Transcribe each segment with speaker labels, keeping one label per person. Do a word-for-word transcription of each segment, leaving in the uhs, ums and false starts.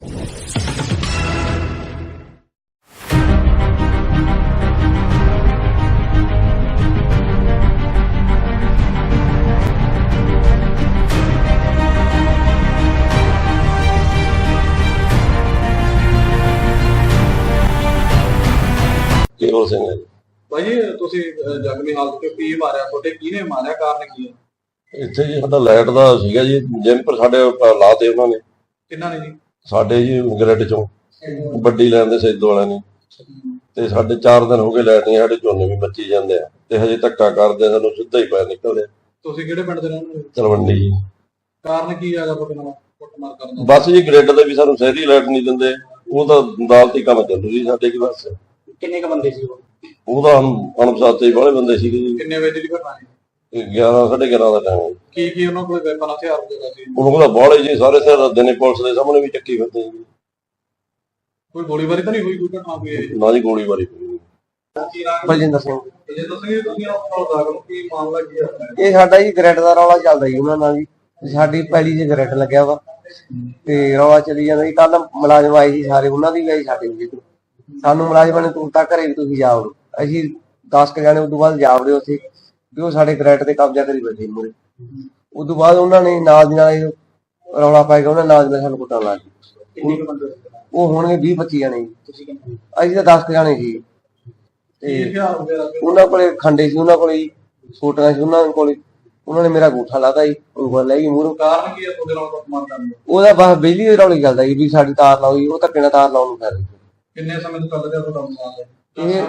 Speaker 1: केवल सिंह है
Speaker 2: भाई तुसी जख्मी हालत च की मारिया छोटे किने मारिया कारण की है
Speaker 1: इत्थे जी साडा लाइट दा सीगा जी जिम पर साडे लाते उन्हां ने
Speaker 2: किन्ना ने जी
Speaker 1: साडे जी ग्रिड चों ਵੱਡੀ ਲਾਈਨ ਦੇ ਸੈਦੋ ਵਾਲਿਆਂ ਨੇ ਤੇ ਸਾਡੇ ਚਾਰ ਦਿਨ ਹੋ ਗਏ ਲਾਈਟ ਨਹੀਂ ਸਾਡੇ ਝੋਨੇ ਵੀ ਮੱਚੀ ਜਾਂਦੇ ਆ ਤੇ ਹਜੇ ਧੱਕਾ ਕਰਦੇ ਸਾਨੂੰ ਸਿੱਧਾ ਹੀ ਪੈ ਨਿਕਲਦੇ।
Speaker 2: ਤੁਸੀਂ ਕਿਹੜੇ ਪਿੰਡ ਦੇ ਰਹਿਣ ਵਾਲੇ?
Speaker 1: ਤਲਵੰਡੀ ਜੀ।
Speaker 2: ਕਾਰਨ ਕੀ ਹੈਗਾ ਤੁਹਾਡੇ ਨਾਲ ਕੁੱਟਮਾਰ ਕਰਨ ਦਾ?
Speaker 1: ਬਸ ਜੀ ਗ੍ਰਿਡ ਦੇ ਵੀ ਸਾਨੂੰ ਸ਼ਹਿਰੀ ਲਾਈਟ ਨਹੀਂ ਦਿੰਦੇ, ਉਹ ਤਾਂ ਅਦਾਲਤੀ ਕੰਮ ਚੱਲੂ ਜੀ ਸਾਡੇ ਕੀ ਬਸ।
Speaker 2: ਕਿੰਨੇ ਕ ਬੰਦੇ ਸੀ ਉਹ?
Speaker 1: ਉਹਦਾ ਅਣਪਛਾਤੇ ਵਾਲੇ ਬੰਦੇ ਸੀਗੇ ਜੀ।
Speaker 2: ਕਿੰਨੇ ਵਜੇ ਦੀ ਘਟਨਾ ਹੈ?
Speaker 1: ਗਿਆਰਾਂ ਸਾਢੇ ਗਿਆਰਾਂ ਦਾ ਟਾਈਮ।
Speaker 2: ਕੀ ਕੀ ਉਹਨਾਂ ਕੋਲ ਵੈਪਨ ਹਥਿਆਰ ਵਗੈਰਾ ਸੀ?
Speaker 1: ਉਹਨਾਂ ਕੋਲ ਬਾਹਲੇ ਜੀ ਸਾਰੇ ਸਿਰ ਦਿਨੇ ਪੁਲਿਸ ਦੇ ਸਾਹਮਣੇ ਵੀ ਚੱਕੀ ਫਿਰਦੇ ਜੀ।
Speaker 2: ਕੋਈ ਗੋਲੀਬਾਰੀ ਤਾਂ ਨਹੀਂ ਹੋਈ? ਕੋਈ ਘਟਨਾ ਹੋਈ ਹੈ?
Speaker 1: ਨਾ ਜੀ ਗੋਲੀਬਾਰੀ ਹੋਈ।
Speaker 3: ਬਲਜਿੰਦਰ ਸਿੰਘ।
Speaker 2: ਬਲਜਿੰਦਰ ਸਿੰਘ ਤੁਸੀਂ ਆਪਣਾ ਦਾਖਲ ਕੀ ਮਾਮਲਾ ਕੀ ਹੈ?
Speaker 3: ਇਹ ਸਾਡਾ ਜੀ ਗ੍ਰਿਡ ਦਾ ਰੌਲਾ ਚੱਲਦਾ ਜੀ ਉਹਨਾਂ ਨਾਲ ਜੀ। ਸਾਡੀ ਪੈਲੀ 'ਚ ਗ੍ਰਿਡ ਲੱਗਿਆ ਵਾ ਤੇ ਰੌਲਾ ਚੱਲੀ ਜਾਂਦਾ ਜੀ। ਕੱਲ ਮੁਲਾਜ਼ਮ ਆਏ ਸੀ ਸਾਰੇ, ਉਹਨਾਂ ਦੀ ਵੀ ਆਈ ਸਾਡੇ ਵੀ। ਸਾਨੂੰ ਮੁਲਾਜ਼ਮਾਂ ਨੇ ਤੂੰ ਤਾਂ ਘਰੇ ਵੀ ਤੁਸੀਂ ਜਾ ਵੜੋ। ਅਸੀਂ ਦਸ ਕੁ ਜਾਣੇ ਉਦੋਂ ਬਾਅਦ ਜਾ ਵੜੇ ਉੱਥੇ ਵੀ ਉਹ ਸਾਡੇ ਗ੍ਰਿਡ ਤੇ ਕਬਜ਼ਾ ਕਰੀ ਬੈਠੇ ਮੂਹਰੇ। ਉਦੋਂ ਬਾਅਦ ਉਹਨਾਂ ਨੇ ਨਾਲ ਦੀ ਨਾਲ ਰੌਲਾ ਪਾ ਕੇ ਉਹਨਾਂ ਨਾਲ ਦੀ ਨਾਲ ਸਾਨੂੰ ਕੁੱਟਣ ਲੱਗ ਗਏ। ਉਹ ਹੋਣਗੇ ਵੀਹ ਪੱਚੀ ਜਾਣੇ ਜੀ, ਅਸੀਂ ਤਾਂ ਦਸ ਕੁ ਜਾਣੇ ਸੀ। ਤੇ ਉਹਨਾਂ ਕੋਲੇ ਖੰਡੇ ਸੀ, ਉਹਨਾਂ ਕੋਲੇ ਸੋਟੀਆਂ ਸੀ ਉਹਨਾਂ ਕੋਲੇ। ਉਹਨਾਂ ਨੇ ਮੇਰਾ ਗੂਠਾ ਲਾਤਾ ਜੀ, ਉਂਗਲ ਲੈ ਗਈ ਮੂਹਰੋਂ।
Speaker 2: ਕਾਰਨ ਕੀ ਹੈ ਤੁਹਾਡੇ ਨਾਲ ਕੁੱਟਮਾਰ ਕਰਨ ਦਾ?
Speaker 3: ਉਹਦਾ ਬਸ ਬਿਜਲੀ ਦੇ ਰੌਲੇ ਚੱਲਦਾ ਜੀ ਵੀ ਸਾਡੀ ਤਾਰ ਲਾਓ ਜੀ। ਉਹ ਧੱਕੇ ਨਾਲ ਤਾਰ ਲਾਉਣ ਨੂੰ ਕਰ ਰਹੀ।
Speaker 2: ਕਿੰਨੇ ਸਮੇਂ ਤੋਂ ਚੱਲ ਰਿਹਾ ਤੁਹਾਡਾ ਮਾਮਲਾ?
Speaker 3: ਇਹ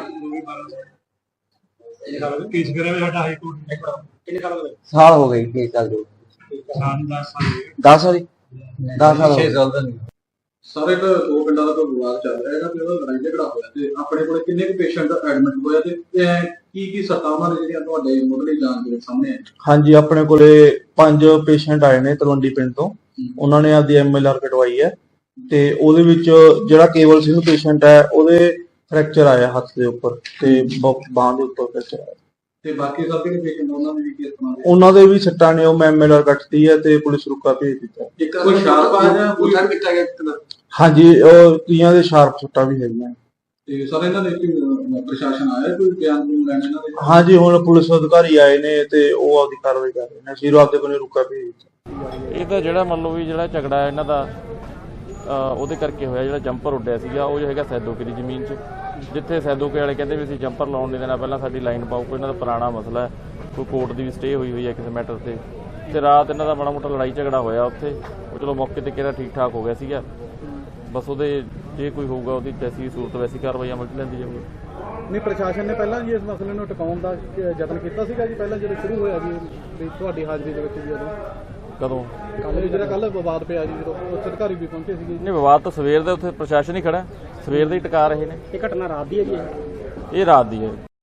Speaker 2: ਕੇਸ ਕਰਿਆ ਹੋਇਆ ਸਾਡਾ ਹਾਈ ਕੋਰਟ ਨੇ। ਕਿੰਨੇ ਸਾਲ ਹੋ ਗਏ?
Speaker 3: ਸਾਲ ਹੋ ਗਏ ਕੇਸ ਚੱਲਦੇ।
Speaker 2: ਸਾਨੂੰ ਦਸ ਸਾਲ
Speaker 3: ਦਸ ਸਾਲ ਦਸ ਸਾਲ
Speaker 2: ਛੇ ਸਾਲ ਦਾ ਨਹੀਂ। ਸਾਰੇ ਇੱਕ ਦੋ ਪਿੰਡਾਂ ਦਾ ਕੋਈ ਵਿਵਾਦ ਚੱਲ ਰਿਹਾ ਹੈਗਾ ਤੇ ਉਹਦਾ ਲੜਾਈ ਝਗੜਾ ਹੋਇਆ ਤੇ ਆਪਣੇ ਕੋਲ ਕਿੰਨੇ ਕੁ ਪੇਸ਼ੈਂਟ ਐਡਮਿਟ ਹੋਇਆ ਤੇ ਕੀ ਕੀ ਸੱਟਾਂ ਉਹਨਾਂ ਨੇ ਜਿਹੜੀਆਂ ਤੁਹਾਡੇ ਮੁੱਢਲੀ ਜਾਂਚ ਦੇ ਸਾਹਮਣੇ ਆਏ?
Speaker 4: ਹਾਂਜੀ, ਆਪਣੇ ਕੋਲੇ ਪੰਜ ਪੇਸ਼ੈਂਟ ਆਏ ਨੇ ਤਲਵੰਡੀ ਪਿੰਡ ਤੋਂ। ਉਹਨਾਂ ਨੇ ਆਪਦੀ ਐਮ ਐਲ ਆਰ ਕਟਵਾਈ ਹੈ ਤੇ ਉਹਦੇ ਵਿੱਚ ਜਿਹੜਾ ਕੇਵਲ ਸਿੰਘ ਪੇਸ਼ੈਂਟ ਹੈ ਉਹਦੇ ਫ੍ਰੈਕਚਰ ਆਇਆ ਹੱਥ ਦੇ ਉੱਪਰ ਤੇ ਬਾਂਹ ਦੇ ਉੱਪਰ ਫ੍ਰੈਕਚਰ ਆਇਆ।
Speaker 2: ਤੇ ਬਾਕੀ ਸਾਰੇ ਪੇਸ਼ੈਂਟ ਉਹਨਾਂ ਦੇ ਵੀ ਕੀ ਤਰ੍ਹਾਂ ਦੇ?
Speaker 4: ਉਹਨਾਂ ਦੇ ਵੀ ਸੱਟਾਂ ਨੇ, ਉਹ ਮੈਂ ਐਮ ਐਲ ਆਰ ਕੱਟਤੀ ਹੈ ਤੇ ਪੁਲਿਸ ਰੁਕਾ ਭੇਜ ਦਿੱਤਾ।
Speaker 2: ਇੱਕ ਕੋਈ ਸ਼ਾਰਪ ਆ ਜਾਂ ਕੋਈ ਕੀਤਾ ਗਿਆ ਕਿਤਨਾ?
Speaker 4: ਹਾਂਜੀ, ਉਹ ਕਈਆਂ ਦੇ ਸ਼ਾਰਪ ਸੱਟਾਂ ਵੀ ਹੈਗੀਆਂ।
Speaker 2: ਤੇ ਸਾਰੇ ਇਹਨਾਂ ਦੇ ਪ੍ਰਸ਼ਾਸਨ ਆਇਆ ਕੋਈ ਬਿਆਨ ਨੂੰ ਲੈਣ ਇਹਨਾਂ ਦੇ?
Speaker 4: ਹਾਂਜੀ, ਹੁਣ ਪੁਲਿਸ ਅਧਿਕਾਰੀ ਆਏ ਨੇ ਤੇ ਉਹ ਆਪਦੀ ਕਾਰਵਾਈ ਕਰ ਰਹੇ ਨੇ। ਅਸੀਂ ਆਪਦੇ ਕੋਲ ਰੁਕਾ ਭੇਜ ਦਿੱਤਾ।
Speaker 5: ਇਹ ਤਾਂ ਜਿਹੜਾ ਮੰਨ ਲਓ ਵੀ ਜਿਹੜਾ ਝਗੜਾ ਹੈ ਇਹਨਾਂ ਦਾ ਉਹਦੇ ਕਰਕੇ ਹੋਇਆ। ਜਿਹੜਾ ਜੰਪਰ ਉੱਡਿਆ ਸੀਗਾ ਉਹ ਜੋ ਹੈਗਾ ਸੈਦੋਕੇ ਦੀ ਜ਼ਮੀਨ 'ਚ, ਜਿੱਥੇ ਸੈਦੋਕੇ ਵਾਲੇ ਕਹਿੰਦੇ ਵੀ ਅਸੀਂ ਜੰਪਰ ਲਾਉਣ ਨਹੀਂ ਦੇਣਾ, ਪਹਿਲਾਂ ਸਾਡੀ ਲਾਈਨ ਪਾਓ। ਕੋਈ ਇਹਨਾਂ ਦਾ ਪੁਰਾਣਾ ਮਸਲਾ ਹੈ, ਕੋਈ ਕੋਰਟ ਦੀ ਵੀ ਸਟੇ ਹੋਈ ਹੋਈ ਹੈ ਕਿਸੇ ਮੈਟਰ ਤੇ। ਤੇ ਰਾਤ ਇਹਨਾਂ ਦਾ ਮਾੜਾ ਮੋਟਾ ਲੜਾਈ ਝਗੜਾ ਹੋਇਆ ਉੱਥੇ। ਉਹ ਚਲੋ ਮੌਕੇ ਤੇ ਕਿਹੜਾ ਠੀਕ ਠਾਕ ਹੋ ਗਿਆ ਸੀਗਾ। ਬਸ ਉਹਦੇ ਜੇ ਕੋਈ ਹੋਊਗਾ ਉਹਦੀ ਜੈਸੀ ਸੂਰਤ ਵੈਸੀ ਕਾਰਵਾਈ ਅਮਲ 'ਚ ਲੈਂਦੀ ਜਾਊਗੀ।
Speaker 2: ਨਹੀਂ, ਪ੍ਰਸ਼ਾਸਨ ਨੇ ਪਹਿਲਾਂ ਜੀ ਇਸ ਮਸਲੇ ਨੂੰ ਟਿਕਾਉਣ ਦਾ ਯਤਨ ਕੀਤਾ ਸੀਗਾ ਜੀ ਪਹਿਲਾਂ ਜਦੋਂ ਸ਼ੁਰੂ ਹੋਇਆ ਜੀ ਤੁਹਾਡੀ ਹਾਜ਼ਰੀ ਦੇ ਵਿੱਚ ਜੀ? ਉਦੋਂ ਕਦੋਂ ਕੱਲ ਜਿਹੜਾ ਕੱਲ ਵਿਵਾਦ ਪਿਆ ਜੀ ਜਦੋਂ ਉੱਚ ਅਧਿਕਾਰੀ ਵੀ ਪਹੁੰਚੇ ਸੀਗੇ?
Speaker 5: ਨਹੀਂ, ਵਿਵਾਦ ਤਾਂ ਸਵੇਰ ਦੇ ਉੱਥੇ ਪ੍ਰਸ਼ਾਸਨ ਹੀ ਖੜਾ, ਸਵੇਰ ਦੇ ਹੀ ਟਿਕਾ ਰਹੇ ਨੇ।
Speaker 2: ਇਹ ਘਟਨਾ ਰਾਤ ਦੀ ਹੈ ਜੀ?
Speaker 5: ਇਹ ਰਾਤ ਦੀ ਹੈ।